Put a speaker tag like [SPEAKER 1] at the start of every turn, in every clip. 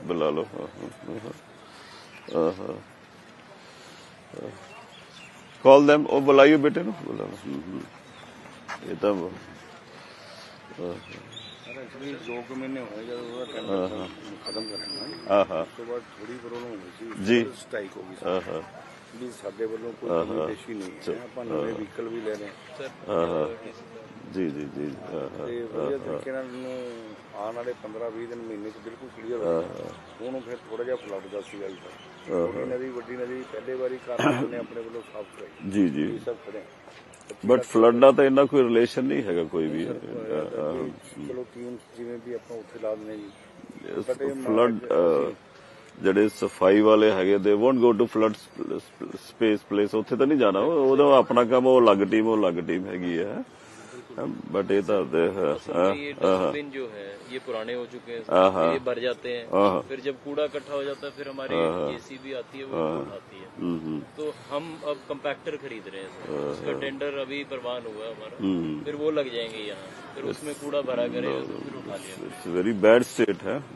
[SPEAKER 1] बुला लो। Call them, वो बुलाइयो बेटे नु, बुला लो। ये तो
[SPEAKER 2] एक्चुअली 2 महीने हो गए जब टेंडर खत्म करना ਉਸ ਤੋਂ ਬਾਅਦ ਥੋੜੀ ਪ੍ਰੋਬਲਮ ਹੋ ਗਈ ਸੀ
[SPEAKER 1] जी
[SPEAKER 2] ਸਟ੍ਰਾਈਕ ਹੋ ਗਈ ਸੀ ਵੀ ਸਾਡੇ ਵੱਲੋਂ ਕੋਈ ਕਮੀ ਪੇਸ਼ੀ ਨਹੀਂ ਹੈ ਆਪਾਂ ਨਵੇਂ ਵਹੀਕਲ ਵੀ ਲੈ ਰਹੇ ਹਾਂ
[SPEAKER 1] जी जी जी
[SPEAKER 2] ਤੇ ਵਧੀਆ ਤਰੀਕੇ ਨਾਲ ਨੂੰ ਆਉਣ ਵਾਲੇ 15-20 ਦਿਨ ਮਹੀਨੇ ਚ ਬਿਲਕੁਲ ਕਲੀਅਰ ਹੋ ਜਾਣਾ ਉਹਨੂੰ ਫਿਰ ਥੋੜਾ ਜਿਹਾ ਫਲੱਡ ਦਾ ਸੀਗਾ ਜੀ ਛੋਟੀ ਨਦੀ ਵੱਡੀ ਨਦੀ ਪਹਿਲੇ ਵਾਰੀ ਕਾਰਨ ਨੇ ਆਪਣੇ ਵੱਲੋਂ ਸਾਫ਼ ਕਰਾਈ
[SPEAKER 1] जी जी
[SPEAKER 2] ਇਹ ਸਭ ਖੜੇ
[SPEAKER 1] ਬਟ ਫਲੱਡ ਦਾ ਤਾਂ ਇੰਨਾ ਕੋਈ ਰਿਲੇਸ਼ਨ ਨਹੀਂ ਹੈਗਾ ਕੋਈ ਵੀ।
[SPEAKER 2] ਚਲੋ ਟੀਮ ਜਿਵੇਂ ਵੀ ਆਪਾਂ ਉੱਥੇ ਲਾ ਦਿੰਦੇ ਜੀ
[SPEAKER 1] ਫਲੱਡ ਜਿਹੜੇ ਸਫਾਈ ਵਾਲੇ ਹੈਗੇ they won't go to flood space place, ਉੱਥੇ ਤਾਂ ਨਹੀਂ ਜਾਣਾ, ਉਹਦਾ ਆਪਣਾ ਕੰਮ, ਉਹ ਅਲੱਗ ਟੀਮ ਹੈਗੀ ਹੈ। बट ये तो
[SPEAKER 3] ये डस्टबिन जो है ये पुराने हो चुके हैं, ये भर जाते हैं, फिर जब कूड़ा इकट्ठा हो जाता है फिर हमारी जेसीबी आती है वो उठाती है। तो हम अब कंपैक्टर खरीद रहे हैं, उसका टेंडर अभी प्रवान हुआ है हमारा, फिर वो लग जाएंगे यहाँ, फिर उसमें कूड़ा भरा करेगा तो फिर उठा लिया।
[SPEAKER 1] इट्स वेरी बैड स्टेट है।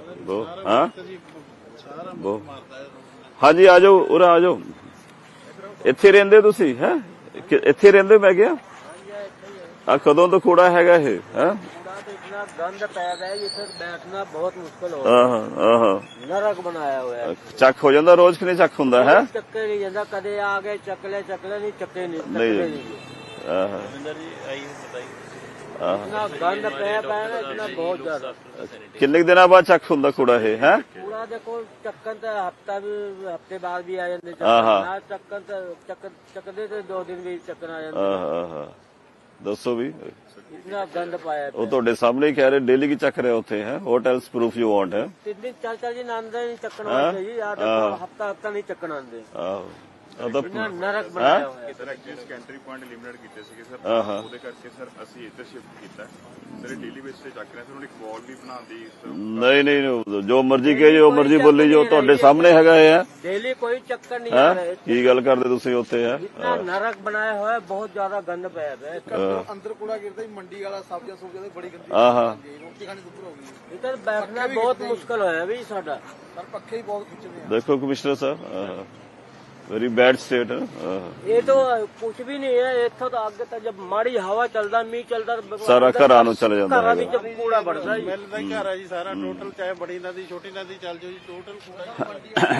[SPEAKER 1] हाँ जी आ जाओ, उरा आ जाओ, ਇੱਥੇ ਰਹਿੰਦੇ ਤੁਸੀਂ? ਹੈ ਇੱਥੇ ਰਹਿੰਦੇ? ਮੈਂ ਕਿਹਾ ਆ ਕਦੋਂ ਤੋਂ ਕੂੜਾ ਹੈਗਾ ਇਹ? ਹੈ
[SPEAKER 4] कूड़ा तो इतना गंद पैदा है जिसे बैठना बहुत मुश्किल हो रहा है, नरक बनाया हुआ है।
[SPEAKER 1] ਚੱਕ ਹੋ ਜਾਂਦਾ ਰੋਜ਼ ਕਿ ਨਹੀਂ ਚੱਕ ਹੁੰਦਾ है?
[SPEAKER 4] ਚੱਕੇ नहीं जाता, कदे आ गए चकले नहीं चक्के
[SPEAKER 1] नहीं
[SPEAKER 3] रविंदर जी आइए बताइए।
[SPEAKER 4] इतना गंद पाया ना, इतना बहुत ज्यादा।
[SPEAKER 1] ਕਿੰਨੇ ਦਿਨਾਂ ਬਾਅਦ ਚੱਕ ਹੁੰਦਾ ਕੂੜਾ ਇਹ? ਹੈ
[SPEAKER 4] कूड़ा देखो चक्कन तो हफ्ते बाद भी आ जाते, चक्कन चकदे तो 2 दिन भी चक्कन आ जाते।
[SPEAKER 1] ਦੱਸੋ ਵੀ।
[SPEAKER 4] इतना गंद पाया
[SPEAKER 1] ਉਹ ਤੁਹਾਡੇ ਸਾਹਮਣੇ ਹੀ ਕਹਿ ਰਹੇ ਡੇਲੀ ਕੀ ਚੱਕ ਰਹੇ ਉੱਥੇ ਹੈ। ਹੋਟਲਸ ਪ੍ਰੂਫ ਯੂ ਵਾਂਟ ਹੈ।
[SPEAKER 4] 3 दिन चल जी आंदे नहीं चक्कन आते जी, हफ्ता नहीं चक्कन आंदे। इतना नरक बनाया हुआ है।
[SPEAKER 5] Sir actually sentry point limited ਕੀਤੇ ਸੀਗੇ ਸਰ, ਉਹਦੇ ਕਰਕੇ ਸਰ ਅਸੀਂ ਇੱਥੇ ਸ਼ਿਫਟ ਕੀਤਾ ਸਰ। ਡੇਲੀ ਬੇਸ ਤੇ ਚੱਕ ਰਹੇ ਸਰ, ਹੁਣ ਇੱਕ ਵਾਲ ਵੀ ਬਣਾਉਂਦੀ।
[SPEAKER 1] ਨਹੀਂ ਜੋ ਮਰਜ਼ੀ ਕਹੇ, ਜੋ ਮਰਜ਼ੀ ਬੋਲੀ, ਜੋ ਤੁਹਾਡੇ ਸਾਹਮਣੇ ਹੈਗਾ ਇਹ ਹੈ।
[SPEAKER 4] डेली कोई चक्कर नहीं आ रहा है।
[SPEAKER 1] ਕੀ ਗੱਲ ਕਰਦੇ ਤੁਸੀਂ ਉੱਥੇ? ਹੈ
[SPEAKER 4] इतना नरक बनाया हुआ है, बहुत ज्यादा गंद पाया है।
[SPEAKER 6] ਅੰਦਰ ਕੂੜਾ ਗਿਰਦਾ ਹੀ ਮੰਡੀ ਵਾਲਾ ਸਬਜ਼ੀਆਂ ਦੀ ਬੜੀ ਗੰਦੀ ਰੋਟੀ ਖਾਣੀ ਦੁੱਧ ਹੋ ਗਈ।
[SPEAKER 4] इधर बैठना बहुत मुश्किल होया भी साडा।
[SPEAKER 6] ਸਰ ਪੱਖੇ ਹੀ ਬਹੁਤ ਖਿੱਚਦੇ ਆ।
[SPEAKER 1] ਦੇਖੋ ਕਮਿਸ਼ਨਰ ਸਾਹਿਬ, वेरी बैड स्टेट है।
[SPEAKER 4] ये तो कुछ भी नहीं है, इतो तो आगे तक जब माड़ी हवा चलता, मीह चलता,
[SPEAKER 1] सारा घरां नूं चले जांदा
[SPEAKER 4] घरां विच कूड़ा बढ़दा जी।
[SPEAKER 6] ਮਿਲਦਾ ਹੀ ਘਰ ਆ ਜੀ ਸਾਰਾ ਟੋਟਲ, ਚਾਹੇ ਬੜੀ ਨਦੀ ਛੋਟੀ ਨਦੀ ਚੱਲ ਜਾਓ ਜੀ, ਟੋਟਲ ਕੂੜਾ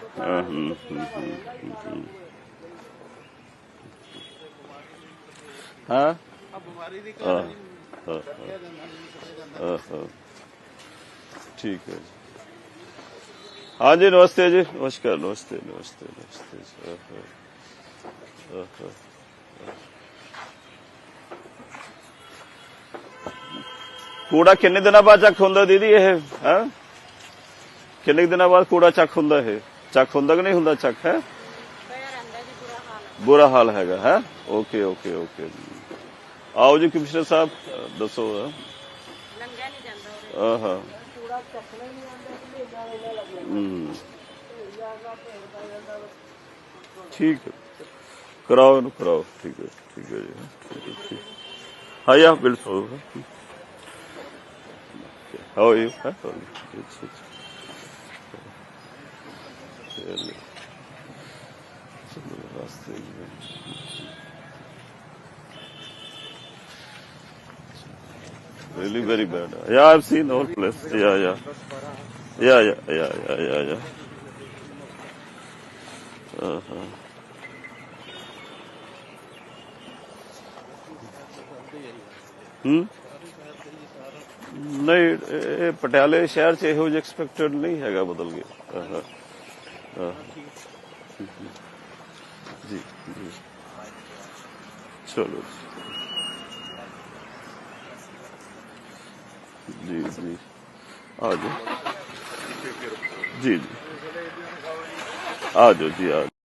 [SPEAKER 1] हाँ
[SPEAKER 6] ਬਿਮਾਰੀ ਦੀ
[SPEAKER 1] ठीक है। हाँ जी नमस्ते जी, नमस्कार। नमस्ते नमस्ते नमस्ते। कूड़ा किन्ने दिनों बाद चक हुंदा दीदी? ये है किन्ने दिनों बाद कूड़ा चक हुंदा? है चक हुंदा कि नहीं हुंदा? चक है बुरा हाल हैगा है। ओके ओके ओके आओ जी कमिश्नर साहब दसो। हाँ ठीक है, कराओ इन्हू कराओ। ठीक है जी, ठीक है ठीक। हाँ या बिल्कुल। How are you? Really very bad. Yeah, I've seen the whole place. Yeah. नहीं पटियाले शहर च ਇਹੋ ਜਿਹਾ ਐਕਸਪੈਕਟਡ ਨਹੀਂ ਹੈਗਾ, ਬਦਲ ਗਿਆ। जी चलो जी आ जाओ जी आ जाओ जी आ जाओ।